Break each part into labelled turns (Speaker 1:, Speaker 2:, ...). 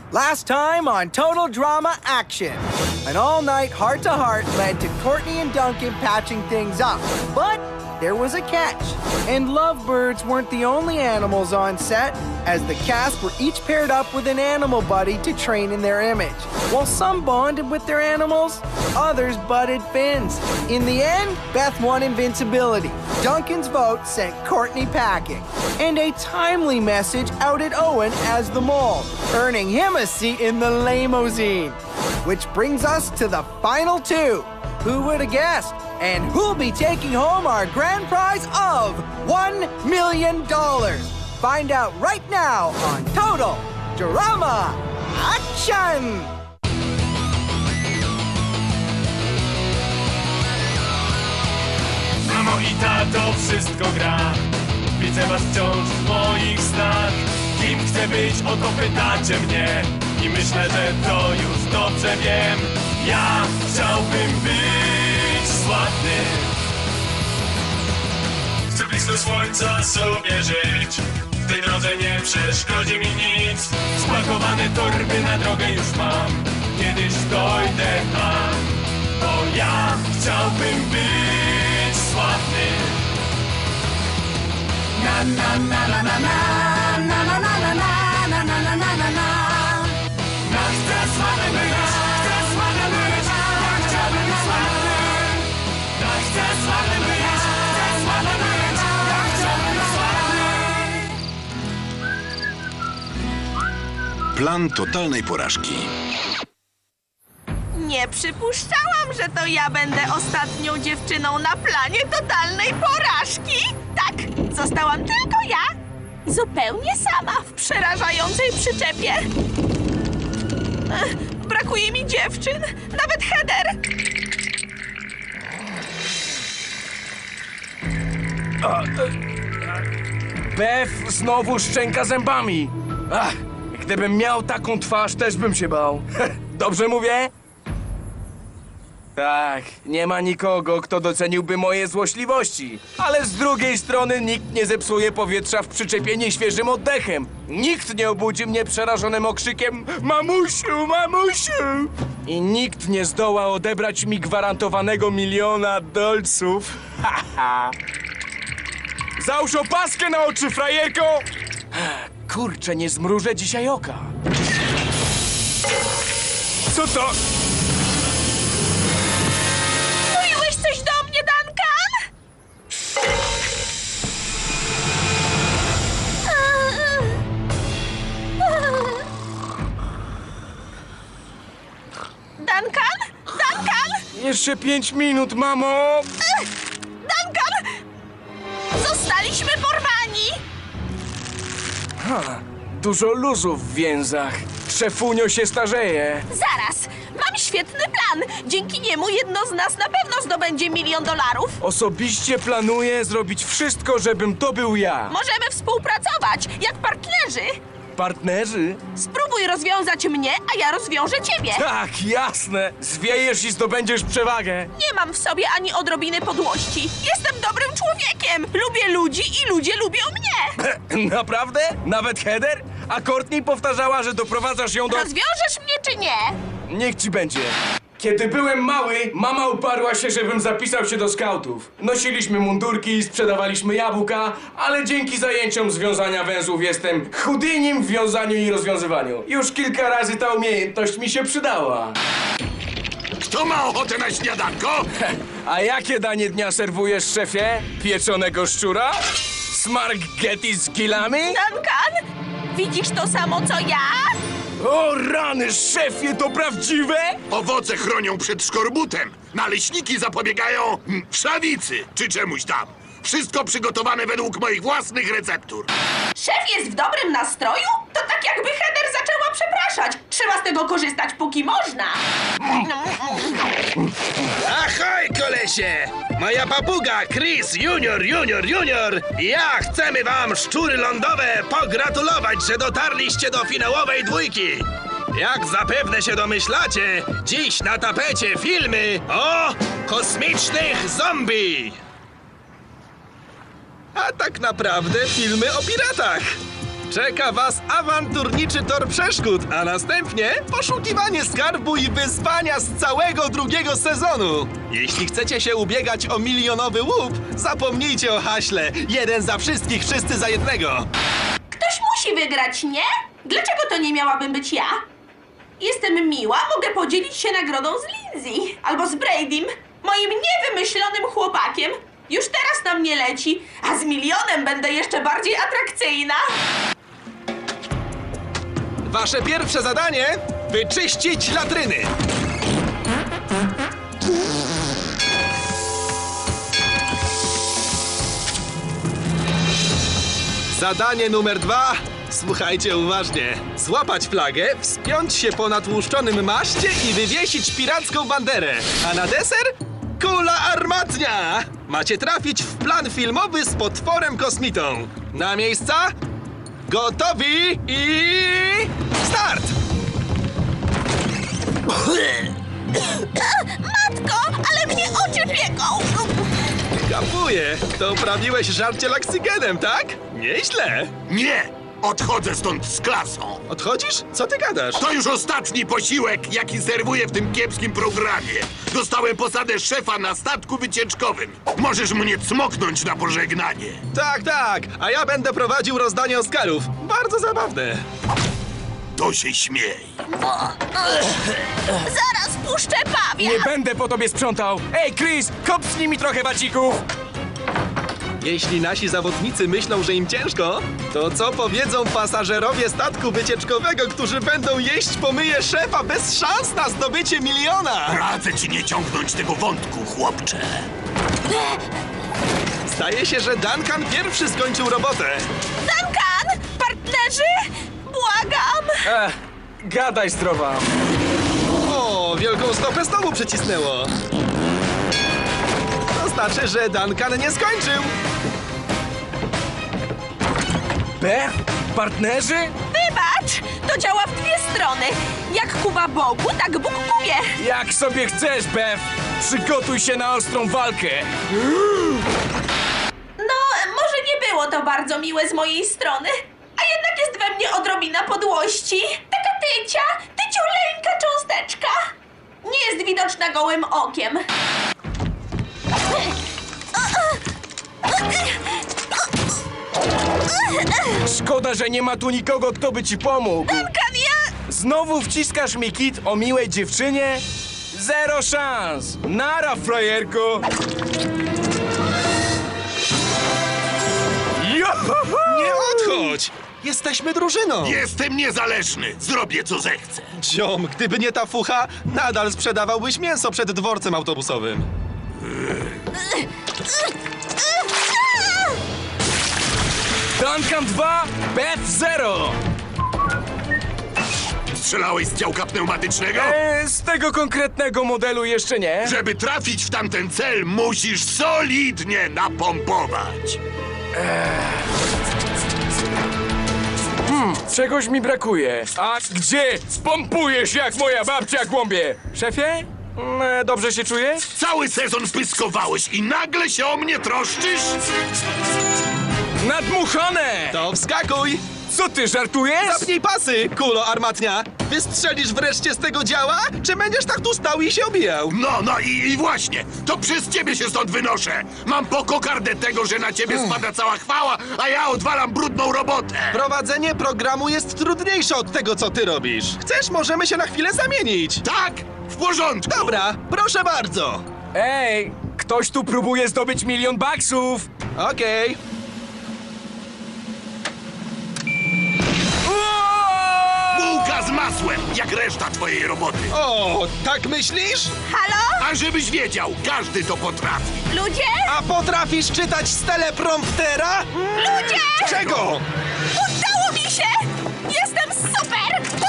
Speaker 1: Last time on Total Drama Action. An all-night heart-to-heart led to Courtney and Duncan patching things up. But there was a catch. And lovebirds weren't the only animals on set, as the cast were each paired up with an animal buddy to train in their image. While some bonded with their animals, others butted fins. In the end, Beth won invincibility. Duncan's vote sent Courtney packing. And a timely message outed Owen as the mole, earning him a seat in the limousine. Which brings us to the final two. Who would have guessed? And who'll be taking home our grand prize of $1 million? Find out right now on Total Drama Action!
Speaker 2: Mamo i tato, wszystko gra. Widzę was wciąż w moich snach. Kim chcę być, o to pytacie mnie. I myślę, że to już dobrze wiem. Ja chciałbym być sławny. Chcę blisko słońca sobie żyć. W tej drodze nie przeszkodzi mi nic. Spakowane torby na drogę już mam. Kiedyś dojdę tam. Bo ja chciałbym być sławny. Na na na na na na na na na na na na na na na na na. Chcę sławny być, chcę sławny być, ja chciałbym być sławny. Chcę sławny być, chcę sławny być, ja chciałbym być sławny.
Speaker 3: Plan totalnej porażki.
Speaker 4: Nie przypuszczałam, że to ja będę ostatnią dziewczyną na planie totalnej porażki. Tak, zostałam tylko ja. Zupełnie sama w przerażającej przyczepie. Brakuje mi dziewczyn, nawet Heather.
Speaker 5: Beth znowu szczęka zębami. Gdybym miał taką twarz, też bym się bał. Dobrze mówię? Tak, nie ma nikogo, kto doceniłby moje złośliwości. Ale z drugiej strony nikt nie zepsuje powietrza w przyczepie nieświeżym oddechem. Nikt nie obudzi mnie przerażonym okrzykiem Mamusiu, mamusiu! I nikt nie zdoła odebrać mi gwarantowanego $1 000 000. Załóż opaskę na oczy, frajerko! Kurczę, nie zmrużę dzisiaj oka. Co to?
Speaker 4: Mówiłeś coś do mnie, Duncan? Duncan? Duncan?
Speaker 5: Jeszcze 5 minut, mamo!
Speaker 4: Duncan! Zostaliśmy porwani!
Speaker 5: Dużo luzów w więzach. Szefunio się starzeje.
Speaker 4: Zaraz! Mam świetny plan! Dzięki niemu jedno z nas na pewno zdobędzie $1 000 000.
Speaker 5: Osobiście planuję zrobić wszystko, żebym to był ja.
Speaker 4: Możemy współpracować, jak partnerzy.
Speaker 5: Partnerzy?
Speaker 4: Spróbuj rozwiązać mnie, a ja rozwiążę ciebie.
Speaker 5: Tak, jasne. Zwiejesz i zdobędziesz przewagę.
Speaker 4: Nie mam w sobie ani odrobiny podłości. Jestem dobrym człowiekiem. Lubię ludzi i ludzie lubią mnie.
Speaker 5: Naprawdę? Nawet Heather? A Courtney powtarzała, że doprowadzasz ją do...
Speaker 4: Rozwiążesz mnie czy nie?
Speaker 5: Niech ci będzie. Kiedy byłem mały, mama uparła się, żebym zapisał się do skautów. Nosiliśmy mundurki, sprzedawaliśmy jabłka, ale dzięki zajęciom związania węzłów jestem Houdinim w wiązaniu i rozwiązywaniu. Już kilka razy ta umiejętność mi się przydała.
Speaker 3: Kto ma ochotę na śniadanko?
Speaker 5: A jakie danie dnia serwujesz, szefie? Pieczonego szczura? Smarghetti z kilami?
Speaker 4: Duncan, widzisz to samo co ja?
Speaker 5: O rany, szefie, to prawdziwe?
Speaker 3: Owoce chronią przed szkorbutem. Naleśniki zapobiegają wszawicy czy czemuś tam. Wszystko przygotowane według moich własnych receptur.
Speaker 4: Szef jest w dobrym nastroju? To tak jakby Heather zaczęła przepraszać. Trzeba z tego korzystać, póki można.
Speaker 6: Ahoj, kolesie! Moja papuga Chris Junior i ja chcemy wam, szczury lądowe, pogratulować, że dotarliście do finałowej dwójki. Jak zapewne się domyślacie, dziś na tapecie filmy o kosmicznych zombie. A tak naprawdę filmy o piratach. Czeka was awanturniczy tor przeszkód, a następnie poszukiwanie skarbu i wyzwania z całego drugiego sezonu. Jeśli chcecie się ubiegać o milionowy łup, zapomnijcie o haśle. Jeden za wszystkich, wszyscy za jednego.
Speaker 4: Ktoś musi wygrać, nie? Dlaczego to nie miałabym być ja? Jestem miła, mogę podzielić się nagrodą z Lindsay albo z Bradym, moim niewymyślonym chłopakiem. Już teraz na mnie leci, a z milionem będę jeszcze bardziej atrakcyjna.
Speaker 6: Wasze pierwsze zadanie: wyczyścić latryny. Zadanie numer 2. Słuchajcie uważnie. Złapać flagę, wspiąć się po natłuszczonym maszcie i wywiesić piracką banderę. A na deser? Kula armatnia! Macie trafić w plan filmowy z potworem kosmitą. Na miejsca? Gotowi i... start!
Speaker 4: Matko, ale mnie oczy pieką!
Speaker 6: Kapuję! To uprawiłeś żarcie laksygenem, tak? Nieźle!
Speaker 3: Nie! Odchodzę stąd z klasą.
Speaker 6: Odchodzisz? Co ty gadasz?
Speaker 3: To już ostatni posiłek, jaki serwuję w tym kiepskim programie. Dostałem posadę szefa na statku wycieczkowym. Możesz mnie cmoknąć na pożegnanie.
Speaker 6: Tak, tak! A ja będę prowadził rozdanie Oscarów. Bardzo zabawne.
Speaker 3: To się śmiej.
Speaker 4: Zaraz puszczę pawia!
Speaker 5: Nie będę po tobie sprzątał! Ej, Chris, kopnij mi trochę wacików!
Speaker 6: Jeśli nasi zawodnicy myślą, że im ciężko, to co powiedzą pasażerowie statku wycieczkowego, którzy będą jeść pomyje szefa bez szans na zdobycie miliona?
Speaker 3: Radzę ci nie ciągnąć tego wątku, chłopcze.
Speaker 6: Zdaje się, że Duncan pierwszy skończył robotę.
Speaker 4: Duncan! Partnerzy! Błagam!
Speaker 5: Gadaj zdrowa!
Speaker 6: O, wielką stopę znowu przycisnęło. To znaczy, że Duncan nie skończył.
Speaker 5: Beth? Partnerzy?
Speaker 4: Wybacz! To działa w dwie strony. Jak kuwa Bogu, tak Bóg kuje.
Speaker 5: Jak sobie chcesz, Beth! Przygotuj się na ostrą walkę!
Speaker 4: No, może nie było to bardzo miłe z mojej strony, a jednak jest we mnie odrobina podłości. Taka tyciuleńka cząsteczka. Nie jest widoczna gołym okiem.
Speaker 5: Szkoda, że nie ma tu nikogo, kto by ci pomógł.
Speaker 4: Duncan, ja...
Speaker 5: Znowu wciskasz mi kit o miłej dziewczynie? Zero szans! Nara, frajerko! Johoho!
Speaker 6: Nie odchodź! Jesteśmy drużyną!
Speaker 3: Jestem niezależny. Zrobię, co zechcę.
Speaker 6: Ziom, gdyby nie ta fucha, nadal sprzedawałbyś mięso przed dworcem autobusowym.
Speaker 5: Duncan 2, Beth 0!
Speaker 3: Strzelałeś z działka pneumatycznego?
Speaker 5: Z tego konkretnego modelu jeszcze nie.
Speaker 3: Żeby trafić w tamten cel, musisz solidnie napompować.
Speaker 5: Czegoś mi brakuje. A gdzie? Spompujesz jak moja babcia głąbie. Szefie? Dobrze się czujesz?
Speaker 3: Cały sezon spyskowałeś i nagle się o mnie troszczysz?
Speaker 5: Nadmuchane!
Speaker 6: To wskakuj!
Speaker 5: Co ty, żartujesz?
Speaker 6: Zapnij pasy, kulo armatnia! Wystrzelisz wreszcie z tego działa, czy będziesz tak tu stał i się obijał?
Speaker 3: No i właśnie, to przez ciebie się stąd wynoszę. Mam po kokardę tego, że na ciebie spada cała chwała, a ja odwalam brudną robotę.
Speaker 6: Prowadzenie programu jest trudniejsze od tego, co ty robisz. Chcesz, możemy się na chwilę zamienić.
Speaker 3: Tak? W porządku.
Speaker 6: Dobra, proszę bardzo.
Speaker 5: Ej, ktoś tu próbuje zdobyć $1 000 000.
Speaker 6: Okej.
Speaker 3: Bułka z masłem, jak reszta twojej roboty.
Speaker 6: O, tak myślisz?
Speaker 4: Halo?
Speaker 3: A żebyś wiedział, każdy to potrafi.
Speaker 4: Ludzie?
Speaker 6: A potrafisz czytać z telepromptera?
Speaker 4: Ludzie!
Speaker 6: Czego?
Speaker 4: Udało mi się! Jestem super!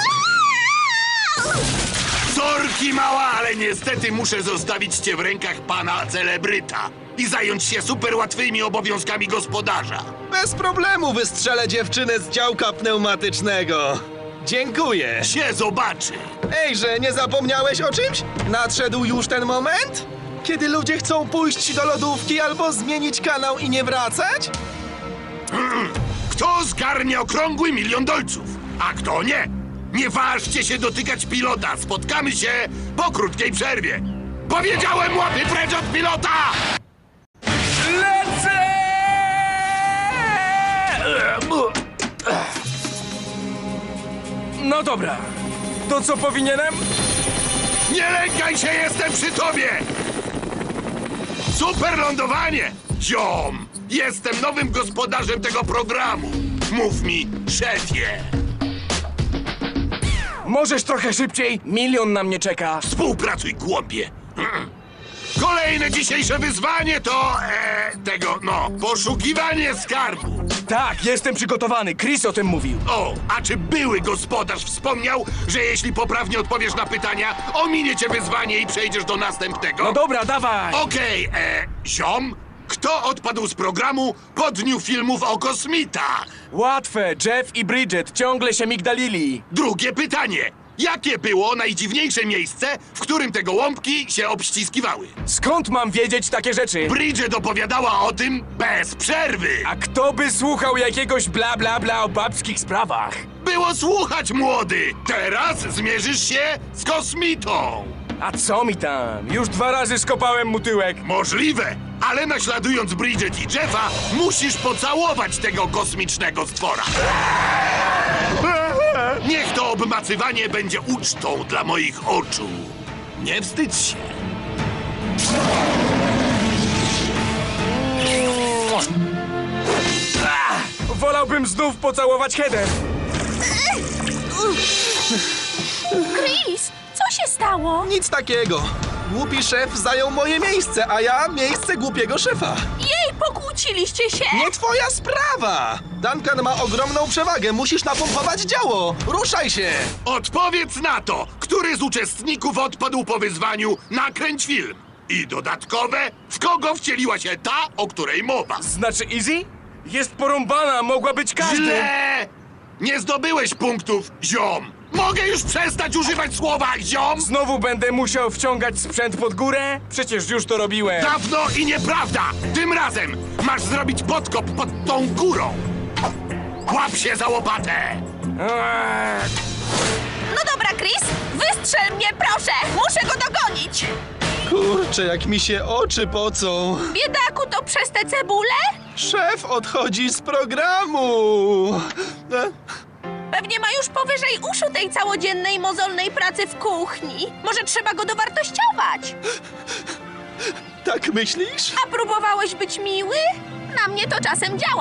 Speaker 3: Sorki mała, ale niestety muszę zostawić cię w rękach pana celebryta i zająć się super łatwymi obowiązkami gospodarza.
Speaker 6: Bez problemu wystrzelę dziewczynę z działka pneumatycznego. Dziękuję.
Speaker 3: Się zobaczy.
Speaker 6: Ejże, nie zapomniałeś o czymś? Nadszedł już ten moment? Kiedy ludzie chcą pójść do lodówki albo zmienić kanał i nie wracać?
Speaker 3: Kto zgarnie okrągły $1 000 000? A kto nie? Nie ważcie się dotykać pilota. Spotkamy się po krótkiej przerwie. Powiedziałem, łapy precz od pilota!
Speaker 5: Lecę! No dobra. To co powinienem?
Speaker 3: Nie lękaj się, jestem przy tobie! Super lądowanie! Ziom! Jestem nowym gospodarzem tego programu. Mów mi, szefie.
Speaker 5: Możesz trochę szybciej? 1 000 000 na mnie czeka.
Speaker 3: Współpracuj, głąbie. Kolejne dzisiejsze wyzwanie to... poszukiwanie skarbu.
Speaker 5: Tak, jestem przygotowany. Chris o tym mówił.
Speaker 3: O, a czy były gospodarz wspomniał, że jeśli poprawnie odpowiesz na pytania, ominie cię wyzwanie i przejdziesz do następnego?
Speaker 5: No dobra, dawaj.
Speaker 3: Okej, ziom, kto odpadł z programu po dniu filmów o kosmitach?
Speaker 5: Łatwe. Jeff i Bridget ciągle się migdalili.
Speaker 3: Drugie pytanie. Jakie było najdziwniejsze miejsce, w którym te gołąbki się obściskiwały?
Speaker 5: Skąd mam wiedzieć takie rzeczy?
Speaker 3: Bridget opowiadała o tym bez przerwy.
Speaker 5: A kto by słuchał jakiegoś bla bla bla o babskich sprawach?
Speaker 3: Było słuchać, młody. Teraz zmierzysz się z kosmitą.
Speaker 5: A co mi tam? Już 2 razy skopałem mu tyłek.
Speaker 3: Możliwe, ale naśladując Bridget i Jeffa, musisz pocałować tego kosmicznego stwora. Niech to obmacywanie będzie ucztą dla moich oczu. Nie wstydź się.
Speaker 5: Wolałbym znów pocałować Heather.
Speaker 4: Chris, co się stało?
Speaker 7: Nic takiego. Głupi szef zajął moje miejsce, a ja miejsce głupiego szefa.
Speaker 4: Jej, pokłóciliście się?
Speaker 7: Nie twoja sprawa! Duncan ma ogromną przewagę, musisz napompować działo! Ruszaj się!
Speaker 3: Odpowiedz na to, który z uczestników odpadł po wyzwaniu Nakręć film. I dodatkowe, w kogo wcieliła się ta, o której mowa.
Speaker 5: Znaczy Easy? Jest porąbana, mogła być każdy.
Speaker 3: Źle! Nie zdobyłeś punktów, ziom. Mogę już przestać używać słowa ziom?
Speaker 5: Znowu będę musiał wciągać sprzęt pod górę? Przecież już to robiłem.
Speaker 3: Dawno i nieprawda! Tym razem masz zrobić podkop pod tą górą. Łap się za łopatę!
Speaker 5: Eee,
Speaker 4: No dobra, Chris, wystrzel mnie, proszę! Muszę go dogonić!
Speaker 7: Kurczę, jak mi się oczy pocą.
Speaker 4: Biedaku, to przez te cebule?
Speaker 7: Szef odchodzi z programu.
Speaker 4: Pewnie ma już powyżej uszu tej całodziennej mozolnej pracy w kuchni. Może trzeba go dowartościować?
Speaker 7: Tak myślisz?
Speaker 4: A próbowałeś być miły? Na mnie to czasem działa.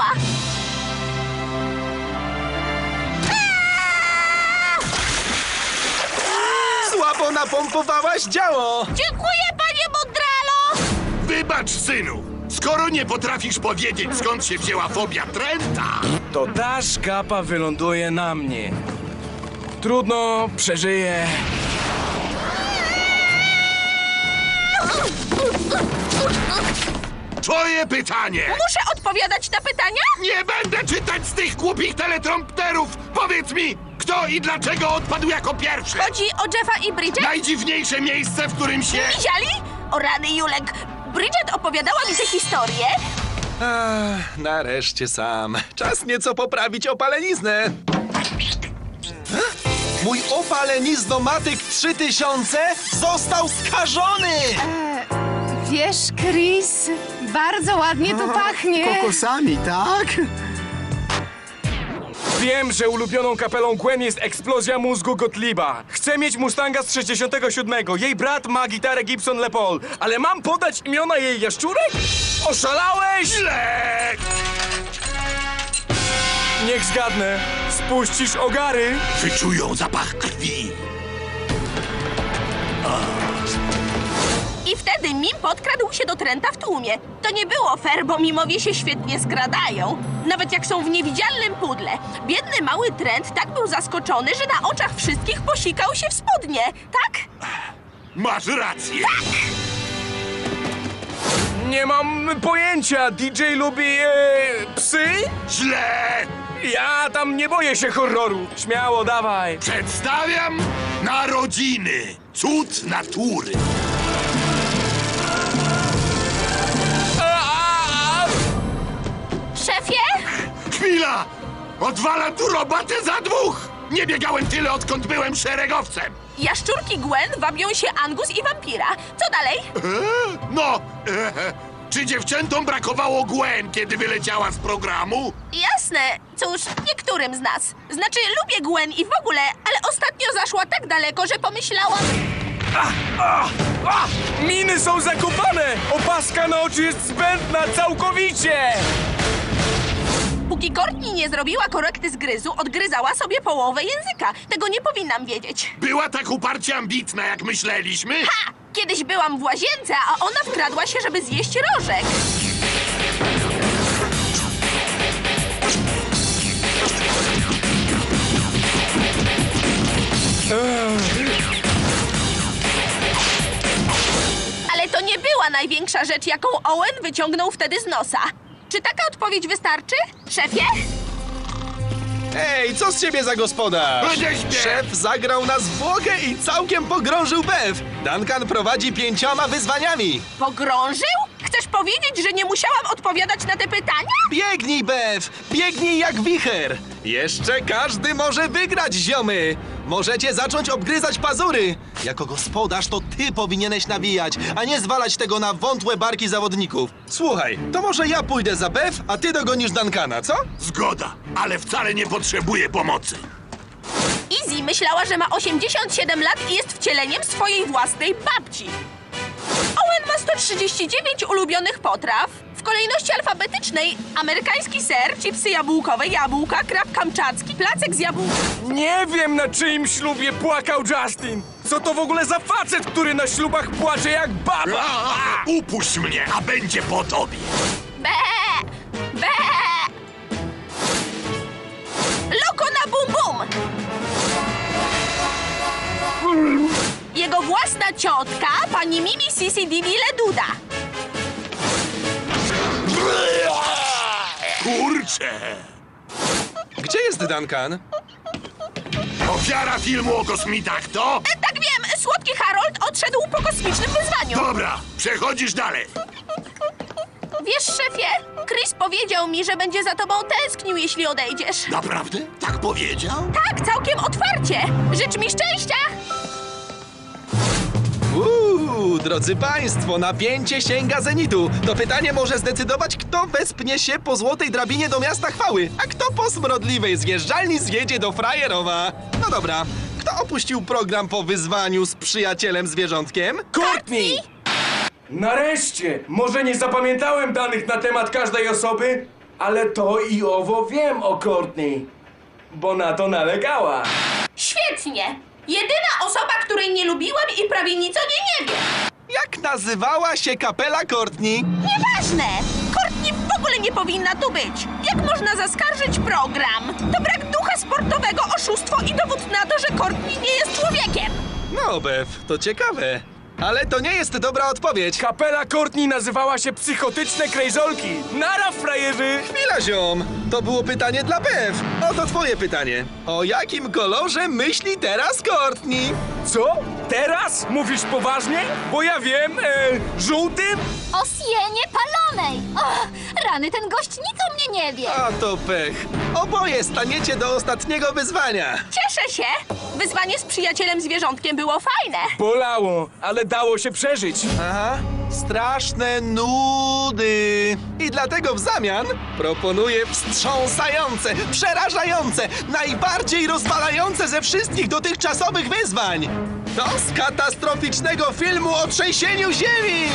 Speaker 7: Słabo napompowałaś działo.
Speaker 4: Dziękuję, panie Mondralo!
Speaker 3: Wybacz, synu! Skoro nie potrafisz powiedzieć, skąd się wzięła fobia Trenta,
Speaker 5: to ta szkapa wyląduje na mnie. Trudno, przeżyję.
Speaker 3: twoje pytanie!
Speaker 4: Muszę odpowiadać na pytania?
Speaker 3: Nie będę czytać z tych głupich teletrompterów! Powiedz mi, kto i dlaczego odpadł jako pierwszy?
Speaker 4: Chodzi o Jeffa i Bridget?
Speaker 3: Najdziwniejsze miejsce, w którym się...
Speaker 4: Widzieli? O rany, Julek. Bridget opowiadała mi tę historię.
Speaker 7: Nareszcie sam. Czas nieco poprawić opaleniznę. Mój opaleniznomatyk 3000 został skażony!
Speaker 8: Wiesz, Chris, bardzo ładnie to pachnie.
Speaker 1: Kokosami, tak?
Speaker 5: Wiem, że ulubioną kapelą Gwen jest eksplozja mózgu Gottlieba. Chcę mieć Mustanga z 67. Jej brat ma gitarę Gibson Les Paul. Ale mam podać imiona jej jaszczurek? Oszalałeś?
Speaker 3: Źle!
Speaker 5: Niech zgadnę. Spuścisz ogary?
Speaker 3: Wyczują zapach krwi.
Speaker 4: I wtedy Mim podkradł się do Trenta w tłumie. To nie było fair, bo Mimowie się świetnie skradają. Nawet jak są w niewidzialnym pudle. Biedny mały Trent tak był zaskoczony, że na oczach wszystkich posikał się w spodnie. Tak?
Speaker 3: Masz rację.
Speaker 5: Nie mam pojęcia. DJ lubi psy?
Speaker 3: Źle!
Speaker 5: Ja tam nie boję się horroru. Śmiało, dawaj.
Speaker 3: Przedstawiam narodziny. Cud natury.
Speaker 4: Szefie?
Speaker 3: Chwila! Odwalam tu robotę za dwóch! Nie biegałem tyle, odkąd byłem szeregowcem!
Speaker 4: Jaszczurki Gwen wabią się Angus i wampira. Co dalej?
Speaker 3: Czy dziewczętom brakowało Gwen, kiedy wyleciała z programu?
Speaker 4: Jasne. Cóż, niektórym z nas. Znaczy, lubię Gwen i w ogóle, ale ostatnio zaszła tak daleko, że pomyślałam...
Speaker 5: Miny są zakopane! Opaska na oczy jest zbędna całkowicie!
Speaker 4: Póki Courtney nie zrobiła korekty zgryzu, odgryzała sobie połowę języka. Tego nie powinnam wiedzieć.
Speaker 3: Była tak uparcie ambitna, jak myśleliśmy?
Speaker 4: Ha! Kiedyś byłam w łazience, a ona wkradła się, żeby zjeść rożek. Ale to nie była największa rzecz, jaką Owen wyciągnął wtedy z nosa. Czy taka odpowiedź wystarczy, szefie?
Speaker 7: Ej, co z ciebie za gospodarz?
Speaker 3: Będzie śpiew.
Speaker 7: Szef zagrał na zwłokę i całkiem pogrążył Bev. Duncan prowadzi 5 wyzwaniami.
Speaker 4: Pogrążył? Chcesz powiedzieć, że nie musiałam odpowiadać na te pytania?
Speaker 7: Biegnij, Bev! Biegnij jak wicher! Jeszcze każdy może wygrać, ziomy! Możecie zacząć obgryzać pazury! Jako gospodarz to ty powinieneś nawijać, a nie zwalać tego na wątłe barki zawodników. Słuchaj, to może ja pójdę za Bev, a ty dogonisz Duncana, co?
Speaker 3: Zgoda, ale wcale nie potrzebuję pomocy.
Speaker 4: Izzy myślała, że ma 87 lat i jest wcieleniem swojej własnej babci. Owen ma 139 ulubionych potraw. W kolejności alfabetycznej amerykański ser, chipsy jabłkowe, jabłka, krab kamczacki, placek z jabłka.
Speaker 5: Nie wiem, na czyim ślubie płakał Justin. Co to w ogóle za facet, który na ślubach płacze jak baba?
Speaker 3: Upuść mnie, a będzie po tobie.
Speaker 4: Be! Be! Loko na bum bum! Jego własna ciotka, pani Mimi Sisi Didi Leduda.
Speaker 3: Kurczę!
Speaker 7: Gdzie jest Duncan?
Speaker 3: Ofiara filmu o kosmitach to?
Speaker 4: Tak wiem, słodki Harold odszedł po kosmicznym wyzwaniu.
Speaker 3: Dobra, przechodzisz dalej.
Speaker 4: Wiesz, szefie, Chris powiedział mi, że będzie za tobą tęsknił, jeśli odejdziesz.
Speaker 3: Naprawdę? Tak powiedział?
Speaker 4: Tak, całkiem otwarcie. Życz mi szczęścia.
Speaker 7: Drodzy państwo, napięcie sięga zenitu. To pytanie może zdecydować, kto wespnie się po złotej drabinie do miasta chwały, a kto po smrodliwej zjeżdżalni zjedzie do frajerowa. No dobra, kto opuścił program po wyzwaniu z przyjacielem zwierzątkiem?
Speaker 5: Courtney! Nareszcie! Może nie zapamiętałem danych na temat każdej osoby, ale to i owo wiem o Courtney, bo na to nalegała.
Speaker 4: Świetnie. Jedyna osoba, której nie lubiłem i prawie nic o niej nie wiem.
Speaker 7: Jak nazywała się kapela Courtney?
Speaker 4: Nieważne! Courtney w ogóle nie powinna tu być. Jak można zaskarżyć program? To brak ducha sportowego, oszustwo i dowód na to, że Courtney nie jest człowiekiem.
Speaker 7: No, Bev, to ciekawe. Ale to nie jest dobra odpowiedź.
Speaker 5: Kapela Courtney nazywała się Psychotyczne Krejzolki. Nara, frajerzy!
Speaker 7: Chwila, ziom! To było pytanie dla Bev. Oto twoje pytanie. O jakim kolorze myśli teraz Courtney?
Speaker 5: Co? Teraz? Mówisz poważnie? Bo ja wiem, żółtym?
Speaker 9: O sienie palonej! Och, rany, ten gość nic o mnie nie wie!
Speaker 7: A to pech. Oboje staniecie do ostatniego wyzwania.
Speaker 4: Cieszę się. Wyzwanie z przyjacielem zwierzątkiem było fajne.
Speaker 5: Bolało, ale dało się przeżyć.
Speaker 7: Aha, straszne nudy. I dlatego w zamian proponuję wstrząsające, przerażające, najbardziej rozwalające ze wszystkich dotychczasowych wyzwań. To z katastroficznego filmu o trzęsieniu ziemi.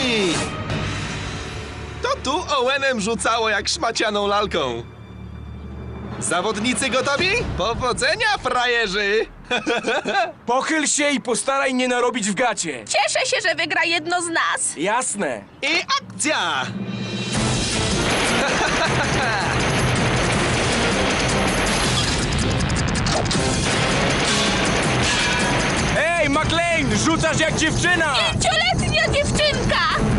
Speaker 7: To tu Owenem rzucało jak szmacianą lalką. Zawodnicy gotowi? Powodzenia, frajerzy!
Speaker 5: Pochyl się i postaraj nie narobić w gacie.
Speaker 4: Cieszę się, że wygra jedno z nas.
Speaker 5: Jasne.
Speaker 7: I akcja!
Speaker 5: Ej, McLean, rzucasz jak dziewczyna!
Speaker 4: 5-letnia dziewczynka!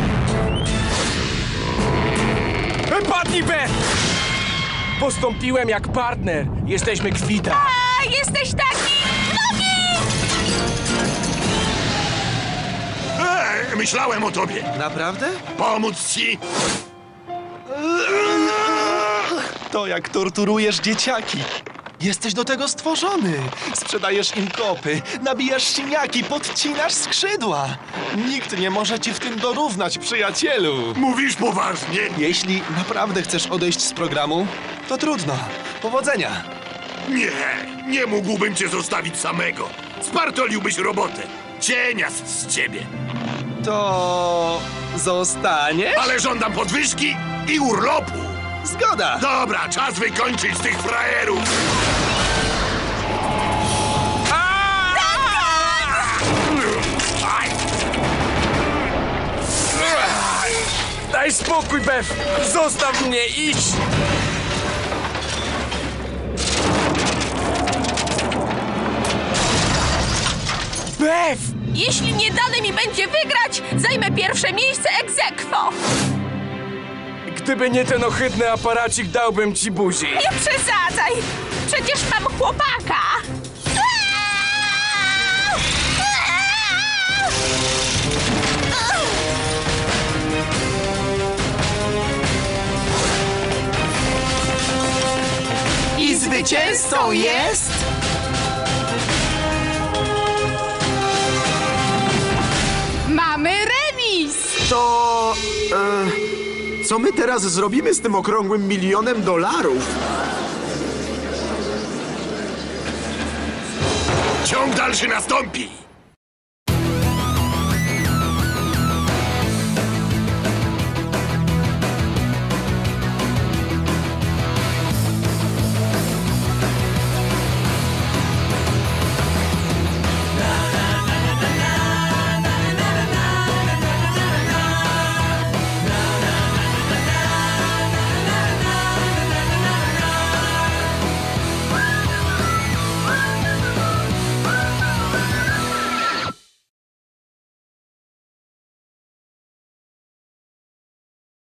Speaker 5: Padnij, Beth! Postąpiłem jak partner. Jesteśmy kwita.
Speaker 4: A, jesteś taki... Nogi!
Speaker 3: Myślałem o tobie.
Speaker 7: Naprawdę?
Speaker 3: Pomóc ci?
Speaker 7: to, jak torturujesz dzieciaki. Jesteś do tego stworzony. Sprzedajesz im kopy, nabijasz siniaki, podcinasz skrzydła. Nikt nie może ci w tym dorównać, przyjacielu.
Speaker 3: Mówisz poważnie?
Speaker 7: Jeśli naprawdę chcesz odejść z programu, to trudno. Powodzenia.
Speaker 3: Nie mógłbym cię zostawić samego. Spartoliłbyś robotę. Cieniast z ciebie.
Speaker 7: To zostanie?
Speaker 3: Ale żądam podwyżki i urlopu.
Speaker 7: Zgoda.
Speaker 3: Dobra, czas wykończyć tych frajerów.
Speaker 5: Daj spokój, Bev! Zostaw mnie, idź! Bev!
Speaker 4: Jeśli nie dane mi będzie wygrać, zajmę pierwsze miejsce ex aequo.
Speaker 5: Gdyby nie ten ohydny aparacik, dałbym ci buzi.
Speaker 4: Nie przesadzaj! Przecież mam chłopaka!
Speaker 1: I zwycięzcą jest...
Speaker 8: Mamy remis!
Speaker 10: To... co my teraz zrobimy z tym okrągłym $1 000 000?
Speaker 3: Ciąg dalszy nastąpi.